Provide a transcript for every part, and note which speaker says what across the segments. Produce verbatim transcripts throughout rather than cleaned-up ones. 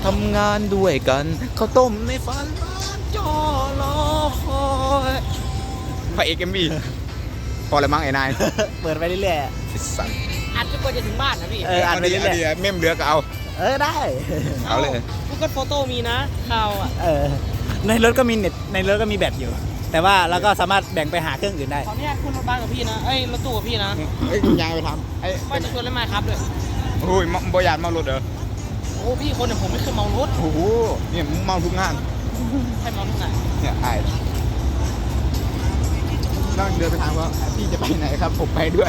Speaker 1: ทำงานด้วยกันข้าวต้มในฝันจอรอคอยพระเอกเอ็มบีพอแล้วมั้งไอ้นาย
Speaker 2: เปิดไปเรื่อย
Speaker 1: สั่ง
Speaker 3: อัดจนกว่าจะถึงบ้านนะพี่
Speaker 2: ๆเอออ่านไปเรื่อย
Speaker 1: เมมเรือก็เอา
Speaker 2: ๆเออได้
Speaker 1: เอาเลย
Speaker 3: กูก็โฟโต้มีนะข่าวอ่ะ
Speaker 2: เออในรถก็มีเน็ตในรถก็มีแบตอยู่ แต่ว่าเราก็สามารถแบ่งไปหาเครื่องอื่นได้
Speaker 3: ขออนุญาตขึ้นรถบ้านกับพี่นะเอ้ยรถตู้กับพี่นะ
Speaker 1: เอ้ยยายไปทำไอ้
Speaker 3: ว่าจะชวนเล่นไม้ครับด้วย
Speaker 1: โอ้ยบอยานเมารถเหรอ
Speaker 3: โอ้พี่คนเนี่ยผมไม่เคยเมารถ
Speaker 1: โอ้โหเนี่ยมึงเมาทุกงาน
Speaker 3: ใช่เมาทุกไหน
Speaker 1: เนี่ยไอ้ต้องเดินไปถามว่าพี่จะไปไหนครับผมไปด้วย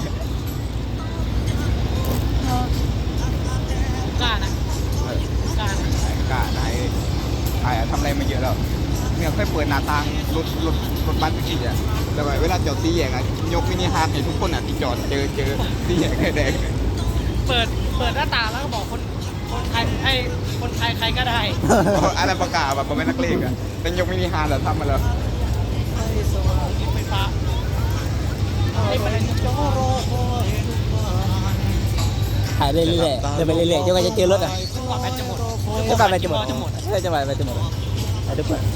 Speaker 3: กล้านะกล้านะ
Speaker 1: ไอ้กล้าไอ้ไอ้ทำอะไรมาเยอะแล้วเนี่ยค่อยเปิดหน้าต่างรถรถรถบัสทุกทีอ่ะแล้วเวลาจอดตีแยกอ่ะยกมินิฮาร์ดให้ทุกคนอ่ะที่จอดเจอเจอตีแยกไฟแดง
Speaker 3: เปิดเปิดหน้าต่างแล้วก็บอกคนคนไทยไอ้คนไทยใครก็ได้
Speaker 1: อะไรประกาศแบบเป็นนักเลงอ่ะเป็นยกมินิฮาร์ดแล้วทำมาแล้ว
Speaker 3: ไฟฟ้าไอ้ประเด็นจอรอคอย
Speaker 2: ถ่ายเรื่อยๆเดินไปเรื่อยๆจนกว่าจะเจอรถอ่ะ
Speaker 3: กว่าแบตจะหมด
Speaker 2: จนกว่าแบตจะหมด
Speaker 3: จะหมด
Speaker 2: เออจะหมดแบตจะหมดเอาเดี๋ยวเปิด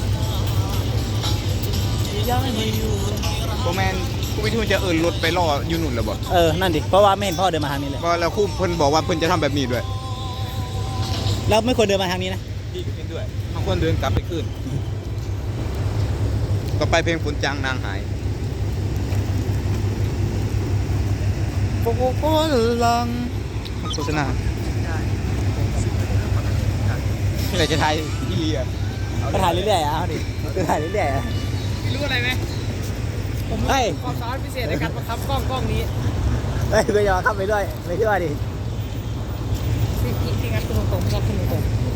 Speaker 1: โบแมนผู้วิทูจะเอินรถไปล่อยูนุ่นแล้วบ่
Speaker 2: เออนั่นดิเพราะว่าไม่เห็นพ่อเดินมาทางนี้เลย
Speaker 1: เพราะแล้วคู่เพิ่นบอกว่าเพิ่นจะทำแบบนี้ด้วย
Speaker 2: แล้วไม่ควรเดินมาทางนี้นะ
Speaker 1: พี่ก็เห็นด้วยบางคนเดินกลับไปขึ้นต่อไปเพลงฝนจางนางหายโอ้โหลังโฆษณาอะไรจะไทยพี่เลีย
Speaker 2: ก็ถ่ายเรื่อยๆอ่ะเอาดิก็ถ่ายเรื่อยๆอ่ะ
Speaker 3: พี่รู้อะไรไหมผม
Speaker 2: เฮ้ย
Speaker 3: ความสามารถพิเศษในการประคับกล้องกล้องนี้
Speaker 2: เฮ้ยก็ยอมเข้าไปด้วยไม่ช่วยดิ
Speaker 3: พี่พี่พี่งั้นคุณตรงๆครับคุณตรง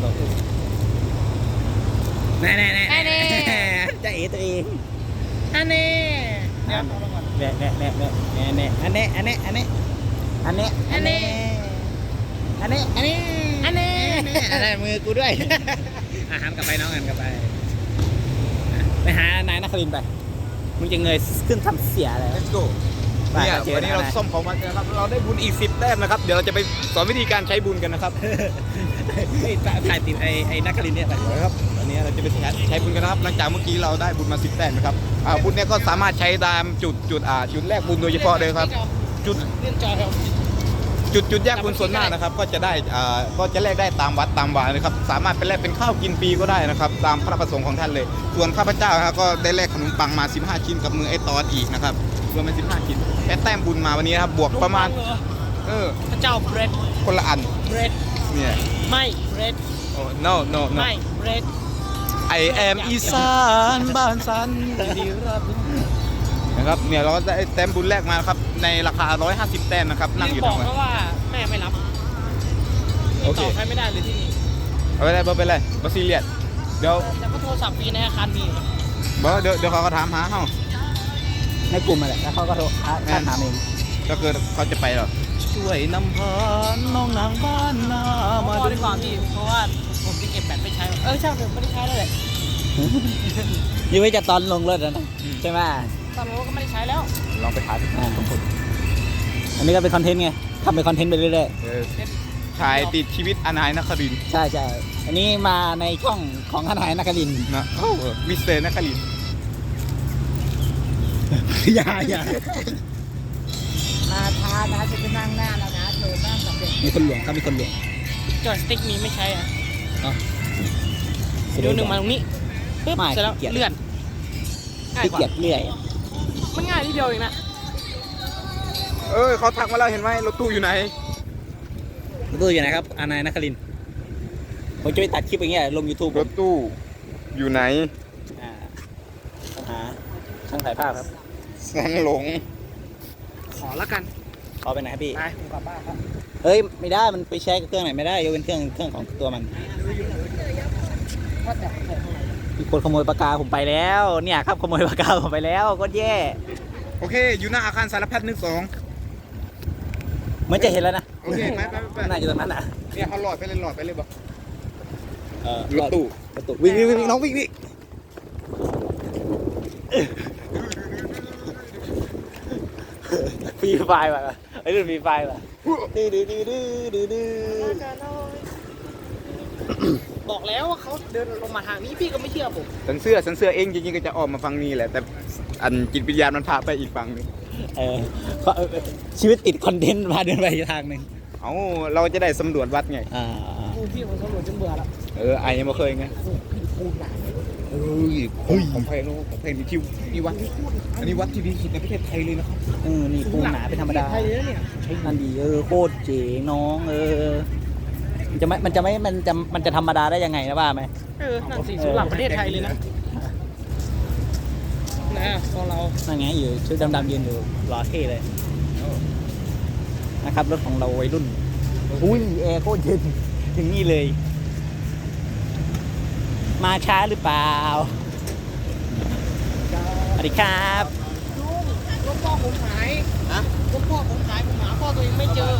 Speaker 2: แน่แน่แน่
Speaker 3: ๆแน่แน่
Speaker 2: จะเอตัวเอง
Speaker 3: อันนี้เดี๋ยวเอาลงก่อน
Speaker 2: แน่แน่แน่แน่แน่แน่อันนี้อันนี้อันนี้อันนี้อันนี้อันนี้อันนี้
Speaker 3: อันนี้
Speaker 2: อะไรมือกูด้วยอาหารกลับไปน้องกันกลับไปไปหานายนักลินไปมึงจะเงยขึ้นทำเสียอะไร
Speaker 1: Let's go เนี่ยวันนี้เราส้มของมันนะครับเราได้บุญอีกสิบแต้มนะครับเดี๋ยวเราจะไปสอนวิธีการใช้บุญกันนะครับ
Speaker 2: ถ่ายติดไอ้ไอ้นักลินเนี่ยไป
Speaker 1: นะครับวันนี้เราจะไปใช้บุญกันนะครับหลังจากเมื่อกี้เราได้บุญมาสิบแต้มนะครับอ่าบุญเนี่ยก็สามารถใช้ตามจุดจุดอ่าจุดแรกบุญโดยเฉพาะเลยครับจุด
Speaker 3: เล่นจอครับ
Speaker 1: จุดจุดแยกบุญส่วนมากนะครับก็จะได้อ่าก็จะแลกได้ตามวัดตามวานะครับสามารถเป็นแลกเป็นข้าวกินฟรีก็ได้นะครับตามพระประสงค์ของท่านเลย ส่วนข้าพเจ้าครับก็ได้แลกขนมปังมาสิบห้าชิ้นกับมือไอ้ตอดอีกนะครับรวมเป็นสิบห้าชิ้นแค่แต้มบุญมาวันนี้นะครับบวกประมาณเออ
Speaker 3: พระเจ้าเบรด
Speaker 1: คนละอัน
Speaker 3: เบรด
Speaker 1: เนี่ย
Speaker 3: ไม่เบรด
Speaker 1: โอ้ no no no
Speaker 3: ไม่เบรด
Speaker 1: I am อีสานบ้านสันดีรับนะครับเนี่ยเราก็ได้แต้มบุญแรกมาครับในราคาหนึ่งร้อยห้าสิบแต้มนะครับนั่งอยู่
Speaker 3: บ
Speaker 1: ตร
Speaker 3: อก
Speaker 1: งนั้น
Speaker 3: เขาว่าแม่ไม่รับ
Speaker 1: โอเค
Speaker 3: ต่อใช้ไม่ได้เลยที่นี่
Speaker 1: เอาไปเลยเอาไปเลยบาซิเลียนเดี๋ยว
Speaker 3: แต่ก็โทรศัพท์ฟรีในอาคารมีอยู่นะ
Speaker 1: บอกเดี๋ยวเดี๋ยวเขาก็ถามหาเขา
Speaker 2: ในกลุ่มมาแหละแล้วเขาก็โทรท่านถามเอง
Speaker 1: ก็คือเขาจะไปหรอช่วยนำพาน้องนางบ้านนา
Speaker 3: มา
Speaker 1: มา
Speaker 3: ดู
Speaker 1: ดู
Speaker 3: ดีกว่าพี่เพราะว่าผมจะเก็บแบตไปใช้เออใช่ผมไม่ได้ใช้แล้วแหละ
Speaker 2: ยังไม่จะตอนลงรถนะใช่ไหม
Speaker 3: ตอนนี้ก็ไม่ได้ใช้แล้ว
Speaker 1: ลองไปถามทุกคน
Speaker 2: อันนี้ก็เป็นคอนเทนต์ไงทำเป็นคอนเทนต์ไปเรื่อย
Speaker 1: เออถ่ายติดชีวิตอนายนครินทร์
Speaker 2: ๆใช่ใช่อันนี้มาในช่องของทนายนักลิน
Speaker 1: นะโอ้เออมิสเตอร์นครินทร์
Speaker 2: อย่าอย่า
Speaker 3: มาทานะจะไปนั่งหน้าแล้วนะเธอนั่งสำเร็จ
Speaker 2: มีคนหลวงครับมีคนหลวง
Speaker 3: จอยสติ๊กมีไม่ใช้อ่ะ
Speaker 2: อ๋อ
Speaker 3: เดี๋ยวหนึ่งมาตรงนี้ปึ๊บ
Speaker 2: ไม่
Speaker 3: เสร็จแล้ว
Speaker 2: ขี้เกียจ
Speaker 3: เลื่อนง่าย
Speaker 2: ขี้
Speaker 3: กว่า
Speaker 2: เกียจเรื่อย
Speaker 3: มันง่ายทีเดียวเองนะ
Speaker 1: เออเขาทักมาแล้วเห็นไหมรถตู้อยู่ไหน
Speaker 2: ตู้อยู่ไหนครับทนายนักลินผมจะไปตัดคลิปอย่างเงี้ยลง YouTube
Speaker 1: รถตู้อยู่ไหน
Speaker 2: อ่าหาช่างถ่ายภาพครับ
Speaker 1: แสงหลง
Speaker 3: ขอแล้วกัน
Speaker 2: ขอไปไหนครับพี่
Speaker 3: ไปผมกลับบ้านครับ
Speaker 2: เฮ้ยไม่ได้มันไปใช้กับเครื่องไหนไม่ได้ยกเป็นเครื่องเครื่องของตัวมัน
Speaker 3: ว่าแต่ใส่เท่าไหร่
Speaker 2: มีคนขโมยปากกาผมไปแล้วเนี่ยครับขโมยปากกาผมไปแล้วก็แย่
Speaker 1: โอเค อยู่หน้าอาคารสารพัดนึกสอง
Speaker 2: เหมือนจะเห็นแล้วนะ
Speaker 1: โอเคไปไปไป
Speaker 2: น่าจะตรงนั้นอ่ะ
Speaker 1: เนี่ยเขาหลอดไปเลยหลอดไปเลยบอก
Speaker 2: เออ
Speaker 1: รถตู้
Speaker 2: รถตู้วิ่งวิ่งวิ่งน้องวิ่งวิ่งฟรีไฟล์ว่ะไอ้เรื่องฟรีไฟล์ว่ะดื้อดื้อดื้อดื้อดื้อดื้อ
Speaker 3: บอกแล้วว่าเขาเดินลงมาทางนี้พี่ก็ไม่เชื่อผม
Speaker 1: สันเสื้อสันเสื้อเองจริงๆก็จะออกมาฟังนี้แหละแต่อันจิตวิญญาณมันพาไปอีกฝั่งหนึง
Speaker 2: เออเพราะเออชีวิตติดคอนเทนต์พาเดินไปอีกทางหนึ่ง
Speaker 1: เอาเราจะได้สำรวจวัดไง
Speaker 2: อ่า
Speaker 3: โอ้พี่ผมสำรวจจนเบื่อแล้ว
Speaker 1: เออไอ้ยังไม่เคยไง
Speaker 3: โอ้พี่พูดหนัก
Speaker 1: เฮ้ยของของแพงเนอะของแพงนี่ที่นี่วัดอันนี้วัดที่ดีที่สุดในประเทศไทยเลยนะครับ
Speaker 2: เออนี่ปูหนาเป็นธรรมดา
Speaker 3: ไทยเลยเนี่ย
Speaker 2: นั่นดีเออโคตรเจ๋งน้องเออมันจะไม่มันจะไม่มันจะมันจะธรรมดาได้ยังไงนะว่าไหม
Speaker 3: เออนั่นสิสุดหลับประเทศไทยเลยนะนะพอเรา
Speaker 2: นั่นไงอยู่ชุดดำๆยืนอยู่รอเท่เลยนะครับรถของเราวัยรุ่นอุ้ยแอร์โคตรเย็นถึงนี่เลย มาช้าหรือเปล่าสวัสดีครับ
Speaker 3: ลุงรถพ่อผมหาย
Speaker 1: ฮะ
Speaker 3: รถพ่อผมหายผมหาพ่อตัวเองไม่เจอ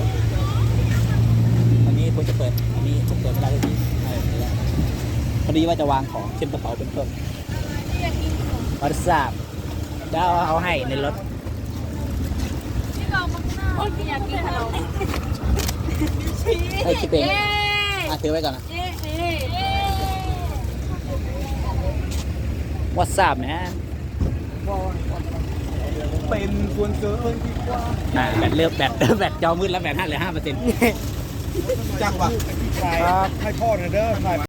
Speaker 2: วันนี้คุณจะเปิดอันนี้ผมเปิดไม่ได้เลยพี่เออไม่ได้พอดีว่าจะวางของเช่นกระเป๋าเป็นต้นวอทราบเดี๋ยวเอาให้ในรถ
Speaker 4: พี่กองมาข้างหน้าพี่อยากกินขนม
Speaker 2: ไอ้ยคิดเองอ่ะถือไว้ก่อนนะ
Speaker 4: เอ๊ะเอ๊ะเอ๊ะ
Speaker 2: วอทราบนะ
Speaker 1: เป็นส่วนเกินที่กว่า
Speaker 2: อ่าแบตเลือกแบต แบตจอมืดแล้วแบตห้าเหลือห้าเปอร์เซ็นต์
Speaker 1: จังวะ
Speaker 5: ให้พ่อหน่อยเด้อถ่าย